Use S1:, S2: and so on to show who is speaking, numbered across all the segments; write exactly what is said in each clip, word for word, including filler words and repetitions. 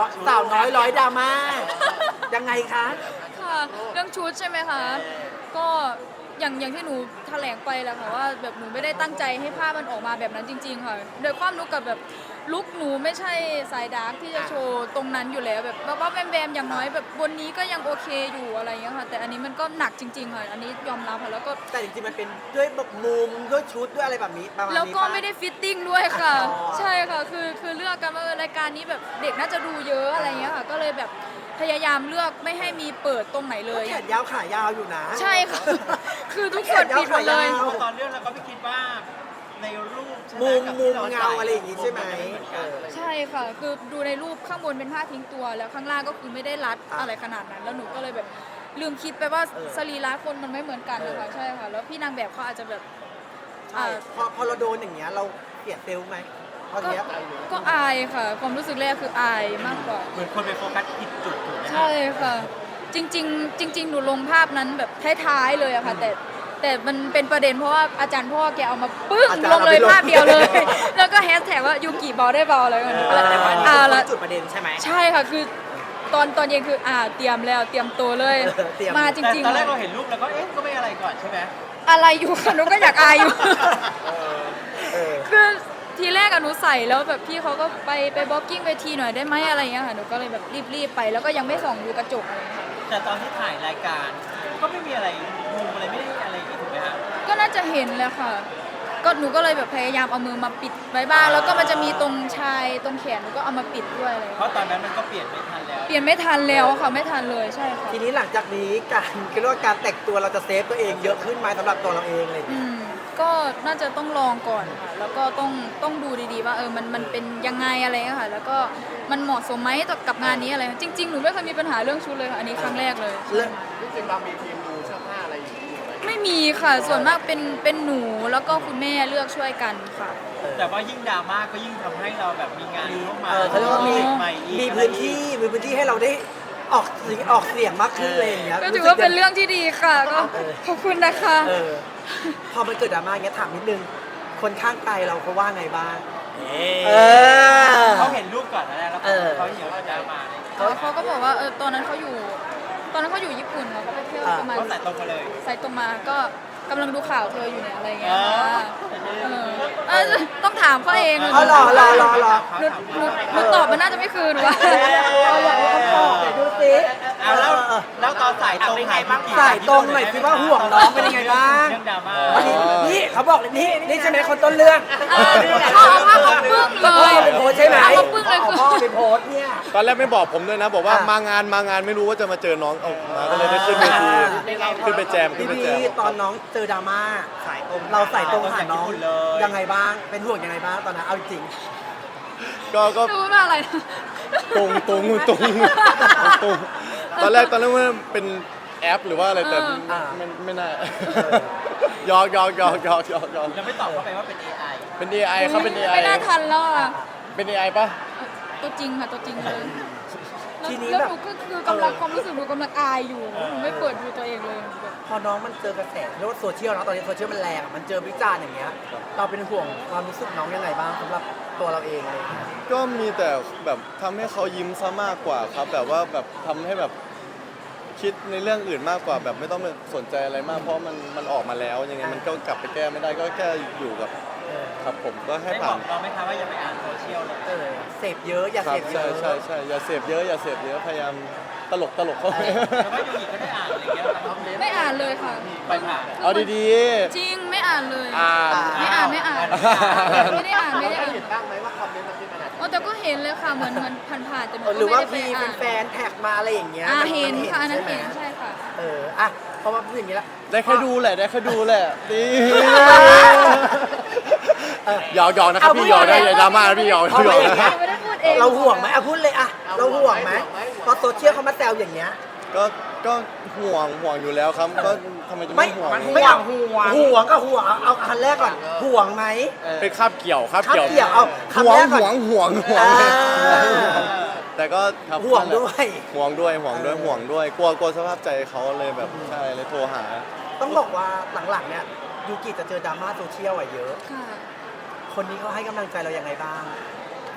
S1: สาวน้อยร้อยดราม่ายังไงคะ
S2: ค่ะเรื่องชุดใช่ไหมคะก็อย่างอย่างที่หนูแถลงไปแหละค่ะว่าแบบหนูไม่ได้ตั้งใจให้ภาพมันออกมาแบบนั้นจริงๆค่ะโดยความรู้กับแบบลุคหนูไม่ใช่สายดาร์กที่จะโชว์ตรงนั้นอยู่แล้วแบบบ้าๆแบมๆอย่างน้อยแบบบนนี้ก็ยังโอเคอยู่อะไรอย่างเงี้ยค่ะแต่อันนี้มันก็หนักจริงๆค่ะอันนี้ยอมรับค่ะแล้วก็
S1: แต่จริงๆมันเป็นด้วยแบบมุมด้วยชุดด้วยอะไรแบบนี้ประมาณนี้
S2: แล้วก็
S1: ปะ
S2: ไม่ได้ฟิตติ้งด้วยค่ะ
S1: อ๋อ
S2: ใช่ค่ะคือคือเลือกกันว่าเออรายการนี้แบบเด็กน่าจะดูเยอะอะไรเงี้ยค่ะก็เลยแบบพยายามเลือกไม่ให้มีเปิดตรงไหนเลย
S1: แขนยาวขายาวอยู่นะ
S2: ใช่ค่ะ คือทุกส่วนปิดหมดเลย
S1: แขนยาวขายาว
S3: ตอนเรื่องเราก็ไม่คิดว่าในรูปใช่ไห
S1: มุม
S3: กับ
S1: มุ
S3: ที่
S1: ม
S3: ร
S1: เงา
S3: ใส่
S1: อะไรอย่างงี้ใช่ไหม
S3: นจะเหมือน
S1: เอ
S3: กัน
S1: อ
S2: ใช่ค่ะ คือดูในรูปข้างบนเป็นผ้าทิ้งตัวแล้วข้างล่างก็คือไม่ได้รัด
S1: อ่ะ
S2: อะไรขนาดนั้น แล้วหนูก็เลยแบบลืมคิดไปว่า
S1: เออ
S2: สรีระคนมันไม่เหมือนกันนะคะ
S1: เออ
S2: ใช่ค่ะแล้วพี่นางแบบเขาอาจจะแบบ
S1: ใช่พอพอเราโดนอย่างเงี้ยเราเปลี่ยนเซลล์ไหมตอน
S2: ก็
S1: เนี้ย
S2: ก็อายค่ะ ความรู้สึกแรกคืออายมากกว่า
S3: เหมือนคนไปโฟกัสผิดจุดถูกไหม
S2: ใช่ค่ะ จริง ๆ จริง ๆ หนูลงภาพนั้นแบบท้ายๆเลยอะค่ะ แต่แต่มันเป็นประเด็นเพราะว่าอาจารย์พ่อแกเอามาปึ้ง
S1: อาจารย์
S2: ลงเลย
S1: เอาไปลง
S2: ภาพเดียวเลย แล้วก็แฮชแท็กว่ายูกิเบาได้เบาอะไรกันแล้ว
S1: แต่วันนี้
S2: อ่า
S1: คน
S2: ละ
S1: จุดประเด็นใช่ไหม
S2: ใช่ค่ะคือตอนตอนเย็นคืออ่าเตรียมแล้วเตรียมตัวเลย
S1: เออเตรียม
S2: มาจ
S3: แต่
S2: ริง
S3: ตอน
S2: ๆ
S3: แรกเรา
S2: ค่ะ
S3: เห็นรูปแล้วก็เอ๊ะก็ไม่อะไรก่อนใช่ไหม
S2: อะไรอยู่ค่ะหนูก็อยากอายอยู่
S1: เออ
S2: คือทีแรกอะหนูใส่แล้วแบบพี่เขาก็ไปไปบล็อกกิ้งเวทีหน่อยได้ไหมอะไรอย่างเงี้ยค่ะหนูก็เลยแบบรีบๆไปแล้วก็ยังไม่ส่องดูกระจกอะไรอย่างเงี้ยค่ะ
S3: แต่ตอนที่ถ่ายรายการก็ไม่มีอะไรมุมอะไรไม่ได้อะไรอย่างงี้ถูกไหมฮะ
S2: ก็น่าจะเห็นแหละค่ะ ก็หนูก็เลยแบบพยายามเอามือมาปิดไว้บ้างแล้วก็มันจะมีตรงชายตรงแขนหนูก็เอามาปิดด้วยอะไรอย่าง
S3: เพ
S2: เงี้ย
S3: ราะตอนนั้นมันก็เปลี่ยนไม่ทันแล้ว
S2: เปลี่ยนไม่ทันแล้วค่ะไม่ทันเลยใช่ค่ะ
S1: ทีนี้หลังจากนี้การคิดว่าการแต่งตัวเราจะเซฟตัวเองเยอะขึ้นไหมสำหรับตัวเราเองอะไรอย่าง
S2: อื
S1: เงี้ย
S2: มก็น่าจะต้องลองก่อนค่ะ แล้วก็ต้องต้องดูดีๆว่าเออมันมันเป็นยังไงอะไรเงี้ยค่ะ แล้วก็มันเหมาะสมไหมต่อกับงานนี้อะไรจริง ๆ หนูไม่เคยมีปัญหาเรื่องชุดเลยค่ะอันนี้ครั้งแรกเลย
S1: เรื่อง
S4: จริงๆเรามีทีมดูเสื้อผ้าอะไรอยู่ไหม
S2: ไม่มีค่ะส่วนมากเป็นเป็นหนูแล้วก็คุณแม่เลือกช่วยกันค่ะ
S3: แต่ว่ายิ่งดราม่าก็ยิ่งทำให้เราแบบมีงานเข้ามา
S1: เออเขาเรียกว่ามี
S3: ใหม่อีก
S1: มีพื้นที่มีพื้นที่ให้เราได้ออกเสียงออกเสียงมากขึ้นเลยอย่างเงี้ย
S2: ก็ถือว่าเป็นเรื่องที่ดีค่ะก็ขอบคุณนะคะ
S1: เออพอมันเกิดดราม่าอย่างเงี้ยถามนิดนึง คนข้างไกลเราเขาว่าไงบ้าง เออ
S3: เขาเห็นรูปก่อนนะแล้ว
S1: เออ
S3: เขาเห็นว่าดราม่าเนี่ย
S2: เขาเขาก็บอกว่าเออตอนนั้นเขาอยู่ ตอนนั้นเขาอยู่ญี่ปุ่นค่ะเขาไปเที่ยวประมาณ
S3: เขาใส่ตรงมาเลย
S2: ใส่ตรงมาก็กำลังดูข่าวเธออยู่เนี่ยอะไรเงี้ย
S3: อ๋อ
S2: ค่ะเออเออต้องถามเขาเอง
S1: เอาหรอรอรอรอ
S2: หนูหนูหนูตอบมันน่าจะไม่คืนวะ
S1: เอาอย่างนี้เขาตอบหน่อยดูสิ
S3: เอาแล้วแล้วตอนสายตรงหายบ้าง
S1: สายตรงหน่อยสิว่าห่วงน้องเป็นยังไงบ้าง
S3: เรื่องดราม่า
S1: วันนี้นี่เขาบอกเลยนี่นี่ใช่ไหมคนต้นเรื่อง
S2: เออเขาเอาภาพเขาปึ้งเล
S1: พ่อย เป็นโพสต์ใช่ไหม
S2: เอาเขาปึ้งเลย
S1: เอา
S2: คือ
S1: พ่อเป็นโพสต์เนี่ย
S4: ตอนแรกไม่บอกผมด้วยนะ บอกว่า
S1: อ่ะ
S4: มางานมางานไม่รู้ว่าจะมาเจอน้องเอามาก็เลยได้ขึ้นเวที
S1: อ่า
S4: ขึ้นไปแจมขึ้
S1: พี่
S4: นไป
S1: พี
S4: แจม
S1: ตอนน้องเจอดราม่า
S3: สายตรง
S1: เราใส่ตรงหาน้อง
S3: เลย
S1: ยังไงบ้าง เป็นห่วงยังไงบ้างตอนนั้นเอาจริง
S4: ก็ก็
S2: ดูว่าอะไรนะ
S4: ตรงตรงตรงตรงตอนแรกตอนแรกว่าเป็นแอปหรือว่าอะไรแต่
S1: อ่า
S4: ไม่ไม่น่า ยอกยอกยอกยอกยอกยอก
S3: ยังไม่ตอบเข้าไปว่าเป็น เอ ไอ
S4: เป็น เอ ไอ ครับเป็น เอ ไอ
S2: ไม่น่าทันแล้วอ่ะ
S4: เป็น เอ ไอ ป่ะ
S2: ตัวจริงค่ะตัวจริงเลยแล้ว
S1: ทีนี้
S2: แล้ว
S1: แบบ
S2: หนูก็คือกำลังความรู้สึกหนูกำลังอายอยู่หนูไม่เปิดดูตัวเองเลยแบบ
S1: พอน้องมันเจอกระแสเรียกว่าโซเชียลเนาะตอนนี้โซเชียลมันแรงอะมันเจอวิจารณ์อย่างเงี้ย เราเป็นห่วงความรู้สึกน้องยังไงบ้างสำหรับตัวเราเองเลย
S4: ก็มีแต่แบบทำให้เขายิ้มซะมากกว่าครับ แบบว่าแบบทำให้แบบคิดในเรื่องอื่นมากกว่าแบบไม่ต้องไปสนใจอะไรมาก เพราะมันมันออกมาแล้วยังไงมันก็กลับไปแก้ไม่ได้ก็แค่อยู่กับครับผมก็ให้
S3: ได้บ
S4: ผ่า
S3: อน กเราไหมคะว่าอย่าไปอ่านโซเชียลเลย
S1: เออเสพเยอะอย่า
S4: ครั
S1: เส
S4: บ
S1: พเย
S4: ใช่
S1: อะ
S4: ใช่ใช่อย่าเสพเยอะอย่าเสพเยอะพยายามตลกตลกเข้าไป
S3: แต่ว่ายูกิก็ได้อ่านอะไรอย่างเงี้ยครับ
S2: ไม่อ่านเลยค่ะ
S3: ไปผ่าน
S4: เอาดี
S2: จริงไม่อ่านเลย
S4: ๆอ่าน
S2: ไม่อ่านไม่อ่านไม่ได้อ่านไม่ได้อ่าน
S4: เห็นบ้างไหมว่าคอมเมนต์มันเป็นขนาด
S2: อ๋อแต่ก็เห็นเลยค่ะเหมือนเหมือนผ่านๆแต่หนู
S1: เออ
S2: ก็
S1: หรือ
S2: ไม่
S1: ว่า
S2: ได้ไป
S1: พี่
S2: อ่าน
S1: แฟนๆแท็กมาอะไรอย่างเงี้ย
S2: อ่า
S1: มั
S2: เห็นค่ะอันนั้น
S1: ใช่
S2: เห็น
S1: ไหม
S2: ใช่ค่ะ
S1: เอออ่ะพอมาพูดอย่างนี้แล้ว
S4: ได้แค่ดูแหละได้แค่ดูแหละนี่หยอกหยอกนะครับพี่หยอกได้อย่าดราม่านะพี่หยอก
S1: เอา
S4: หย
S1: ไป
S4: อก
S1: อย่าง
S4: นะ
S1: เงี้ย
S2: ไม่ได้พูดเอง
S1: เราห่วงไหมอ่ะพูดเลยอ่ะเราห่วงไหมพอโซเชียลเขามาแซวอย่างเงี้ย
S4: ก็ก็ห่วงห่วงอยู่แล้วครับก็ทำไมจะ
S1: ไม่
S4: ไม่ห่วง
S1: ไม่เอาห่วงห่วงก็ห่วงเอาเอาคันแรกก่อนห่วงไหม
S4: เป็นคาบเกี่ยวคาบ
S1: คาบ
S4: เกี่ยว
S1: เกี่ยวเอา
S4: ห่ว
S1: คำแรง กก่
S4: ห่ว
S1: อน
S4: งห่วงห่วง
S1: อ่า
S4: แต่ก็ครับ
S1: ห่วงด้วย
S4: ห่วงด้วยห่วงด้วย
S1: เออ
S4: ห่วงด้วยกลัวกลัวสภาพใจเขาเลยแบบใช่เลยโทรหา
S1: ต้องบอกว่าหลังๆเนี่ยยูกิจะเจอดราม่าโซเชียลอะเยอะ
S2: ค่ะ
S1: คนนี้เขาให้กำลังใจเรายังไงบ้าง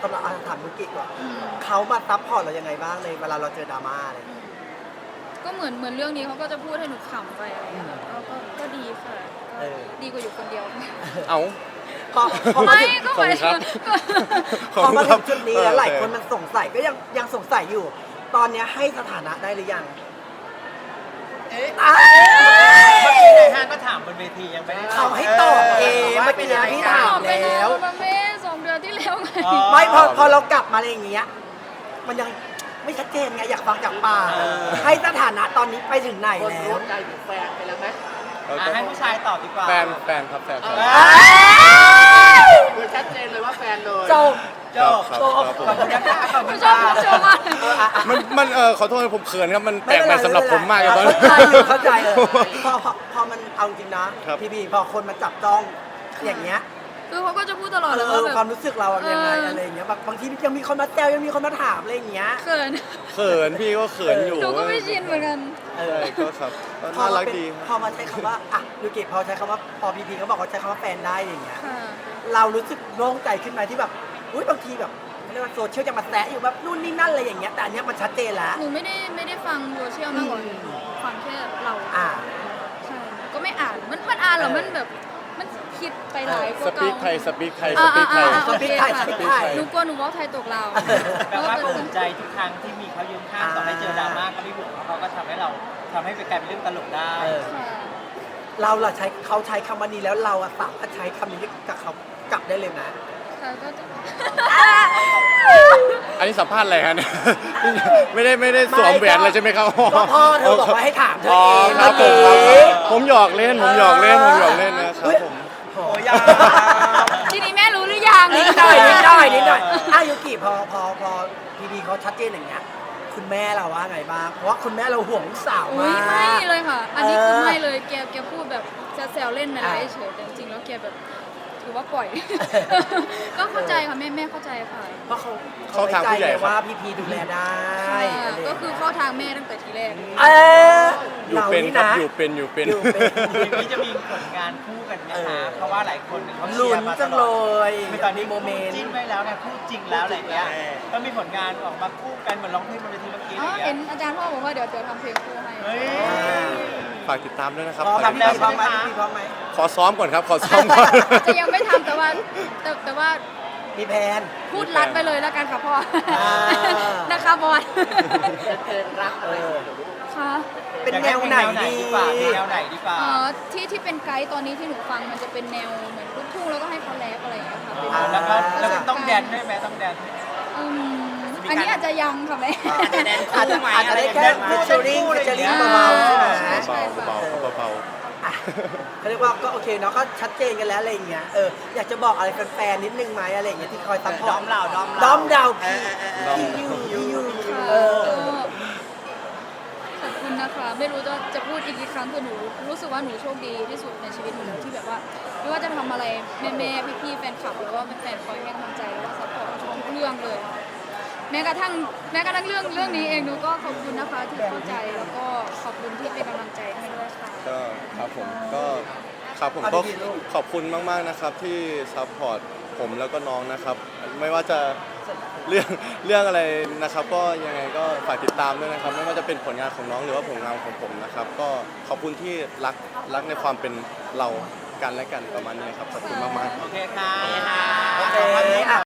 S1: สำหรับอาถามมุกิก่อน
S2: อืม
S1: เขามาซัพพอร์ตเรายังไงบ้างในเวลาเราเจอดราม่าอะไรอย่างเงี้ย
S2: ก็เหมือนเหมือนเรื่องนี้เขาก็จะพูดให้หนูขำไปอะไรอย่างเงี้ยค่ะก็ก็ก็ดีค่ะ
S1: เออ
S2: ดีกว่าอยู่คนเดียว
S4: เอา
S1: พอพอมา
S2: ไม่
S1: ถึง
S2: ก็หมายถึง
S1: พอมาถึงจุดนี้แล้ว
S4: เออ
S1: หลายคนมันสงสัยก็ยังยังสงสัยอยู่ ตอนเนี้ยให้สถานะได้หรือยัง
S3: เอ๊ะ
S1: อ้าว
S3: เมื่อกี้นายห้างก็ถามบนเวทียังไม่ได้
S1: เขาให้ตอบเองเมื่อกี้นะพี่ถาม
S2: ไป
S1: แล้ว
S2: มาเม่สองเดือนที่แล้วไง
S3: อ๋อ
S1: ไม่พอพอเรากลับมาอะไรอย่างเงี้ยมันยังไม่ชัดเจนไงอยากฟังจากปาก
S3: เออ
S1: ให้สถานะตอนนี้ไปถึงไหนแล้ว
S4: เออ
S3: อ่ะ
S4: ก็
S3: ให้ผู้ชายตอบดีกว่า
S4: แฟนแฟนครับแฟนครับ
S5: คือชัดเจนเลยว่าแฟนเลย
S1: จบ
S3: โจ
S4: ครับ
S3: โจ
S4: ครับผม
S3: ขอบคุณนะคะขอบคุณ
S2: ชอบ
S3: ค่ะ
S2: ชอบมาก
S4: มันมันเออขอโทษผมเขินครับมันแปลกใหม่สำหรับผมมากเลยตอนนี้
S1: เข้าใจอยู่เข้าใจเออพอพอพอมันเอาจริงนะครับ พี่บีพอคนมาจับจ้องอย่างเงี้ย
S2: คือเขาก็จะพูดตลอด
S1: เอ
S2: เลย
S1: อ
S2: ว่าแบบ
S1: ความรู้สึกเราอะยังไง
S2: เอออ
S1: อะไรอย่างเงี้ยแบบบางทียังมีคนมาแซวยังมีคนมาถามอะไรอย่างเงี้ย
S2: เขิน
S4: เขินพี่ก็เขินอยู่
S2: หนูก็ไม่ชินเหมือนกัน
S1: เอ
S4: ใช่
S1: อ
S4: ก็ครับก็
S1: พอ
S4: น่า
S1: มา
S4: รัก
S1: เป็น
S4: ดี
S1: พอมาใช้คำว่าอ่ะยูกิพอใช้คำว่าพอพีพีเขาบอกว่าใช้คำว่าแฟนได้อย่างเงี้ย
S2: ค่ะ
S1: เรารู้สึกโล่งใจขึ้นไหมที่แบบอุ้ยบางทีแบบเขาเรียกว่าโซเชียลยังมาแซะอยู่แบบนู่นนี่นั่นอะไรอย่างเงี้ยแต่อันเนี้ยมันชัดเจนแล้ว
S2: หนูไม่ได้ไม่ได้ฟังโซเชียลมากกว่า
S1: อืม
S2: ฟังแค่เรา
S1: อ่า
S2: ใช่ก็ไม่อ่านมันมันอ่านเหรอมันแบบมันคิดไปหลายก
S4: ส
S2: ว่า
S4: ปี
S2: เก่าก
S4: ไทยสปีกไทยส
S2: อ่า
S4: ปีกไทย
S2: อ่าอ่า
S1: สปีกไทย
S2: โอเค
S1: สปีกไทย
S2: หนูกลัวหนูเว่าไทยตกเรา
S3: แปลว่าก็อุ่นใจทุกครั้งที่มีเขายืนข้างต่อให้เจอดราม่าก็ไม่ห่วงเพราะเขาก็ทำให้เราทำให้เป็นกลายเป็นเรื่องตลกได้
S1: เออ
S2: ค่ะ
S1: เราล่ะใช้เขาใช้คำว่านี้แล้วเราอะสามารถใช้คำนี้กับเขากลับได้เลยนะ
S2: ค่ะก็จะ
S4: อันนี้สัมภาษณ์อะไรฮะเนี่ย ไม่ได้ไม่ได้สวมแหวนเลยใช่ไหมครับ
S1: ก็พ่อเธอบอกว่าให้ถามเธอ
S4: อ๋อ
S1: เอง
S4: ครับผม
S1: เมื่
S4: ค
S1: อ
S4: รับ
S1: กี้
S4: ผมหยอกเล่นผมหยอกเล่นผมหยอกเล่นนะครับผม
S1: โอ้
S3: โอ้
S1: ย
S3: ยา
S2: ทีนี้แม่รู้หรือยัง
S1: นิดหน่อยนิดหน่อยนิดหน่อยอ่ะยูกิพอพอพอพีดีเขาชัดเจนอย่างเงี้ยคุณแม่เราว่าไงบ้างเพราะว่าคุณแม่เราห่วงลูกสาว
S2: อุ้
S1: มาย ก
S2: ไม่เลยค่ะ อันนี้คือ
S1: เออ
S2: ไม่เลยแกแกพูดแบบจะแซวเล่นอะไร
S1: อ่ะ
S2: เฉยแต่จริงๆแล้วแกแบบถือว่าปล่อย ก็เข้าใจค่ะแม่แม่เข้าใจค่ะ
S1: เพราะเขา
S4: เข้าทางผู้ใหญ่
S1: ไว้ใจ
S4: ครับ
S1: ว่าพีพีดูแลได้
S2: ค่ะ
S1: อะไรอย่าง
S2: ก็
S1: เงี้ย
S2: คือเข้าทางแม่ตั้งแต่ทีแรก
S1: เออ
S4: อยู่
S1: เรา
S4: เป็น
S1: นี่
S4: ครับ
S1: นะ
S4: อยู่เป็นอยู่เป็น
S1: อยู่เป็น
S3: ทีนี้จะมีผลงานคู่กันไหม
S1: เอ
S3: คะ
S1: อ
S3: เพราะว่าหลายคนเนี่ยเขาเชี
S1: ลุ้
S3: ย
S1: น
S3: ร์มาต
S1: จัง
S3: ล
S1: เล
S3: อด
S1: ย
S3: คือตอนนี้
S1: โม
S3: คู่
S1: เมนต์
S3: จิ้นไว้แล้วไงคู่จริงแล้วอะไรเงี้ยก็มีผลงานออกมาคู่กันเหมือนร้องเพลงบนเวทีเมื่อกี้
S2: อ๋
S3: อะ
S2: อ
S3: ไร
S2: เห็
S3: เงี้
S2: น
S3: ย
S2: อาจารย์พ่อบอกว่าเดี๋ยวเดี๋ยวทำเพลงคู่ให้
S3: เฮ้ย
S4: ฝากติดตามด้วยนะครับ
S1: พร้อม
S4: ฝาก
S1: ไหม
S4: ติด
S1: พี่
S4: ตาม
S1: พร้อมไหมพี่พร้อมไหม
S4: ขอซ้อมก่อนครับ ขอซ้อมก่อน
S2: จะยังไม่ทำแต่ว่าแต่แต่ว่า
S1: มีแพน
S2: พูดรัดไปเลยแล้วกันค่ะพ่อ
S1: อ่า
S2: นะคะบอส
S5: เพลงรักอะไรอย่างเงี้ย
S2: ค่ะ
S1: เป็นแนวไหนดี
S3: ดีกว่าแนวไหนดีกว่า
S2: เอ่อที่ที่เป็นไกด์ตอนนี้ที่หนูฟังมันจะเป็นแนวเหมือนลูกทุ่งแล้วก็ให้เขาแรปอะไรอย่างเงี้ยค่ะเป็น
S1: อ่า
S3: แล้วก็แล้วก็ต้องแดนด้วยไหมต้องแดน
S2: อืมอันนี้อาจจะยังค่ะแม่
S1: อาจจะอาจจะได้แค่ฟิชเชอริงฟิชเชอริงเบาๆใช่ไหม
S2: ใช่ใช่ค่ะ
S4: เบาๆเบา
S1: อ่ะเขาเรียกว่าก็โอเคเนาะก็ชัดเจนกันแล้วอะไรอย่างเงี้ยเอออยากจะบอกอะไรแฟนๆนิดนึงไหมอะไรอย่างเงี้ยที่คอยซัพพอร์ต
S3: ด้อมเราด้อมเรา
S1: ด้อมดาว
S3: เอ
S1: พี่
S3: อเออเออ
S1: พี่ยูพี่ยู
S2: ค่ะ
S1: เออ
S2: ก็ขอบคุณนะคะ ไม่รู้จะจะพูดอีกกี่ครั้งคือหนูรู้สึกว่าหนูโชคดีที่สุดในชีวิตหนูแล้วที่แบบว่า ไม่ว่าจะทำอะไรแม่แม่พี่พี่ๆแฟนคลับหรือว่าแฟนๆคอยให้กำลังใจแล้วก็ซัพพอร์ตทุกเรื่องเลย แม้กระทั่งแม้กระทั่งเรื่องเรื่องนี้เองหนูก็ขอบคุณนะคะที่เข้าใจแล้วก็ขอบคุณที่เป็นกำลังใจให้ด้วยค่ะ
S4: ๆก็ครับผมก็ครับผมก็ขอบคุณมากๆนะครับที่ซัพพอร์ตผมแล้วก็น้องนะครับ ไม่ว่าจะเรื่องเรื่องอะไรนะครับ ก็ยังไงก็ฝากติดตามด้วยนะครับ ไม่ว่าจะเป็นผลงานของน้องหรือว่าผลงานของผมนะครับ ก็ขอบคุณที่รักรักในความเป็นเรากันและกันประมาณนี้ครับขอบคุณมากๆ
S3: โอเคค่ะ
S1: โอเคอ่ะ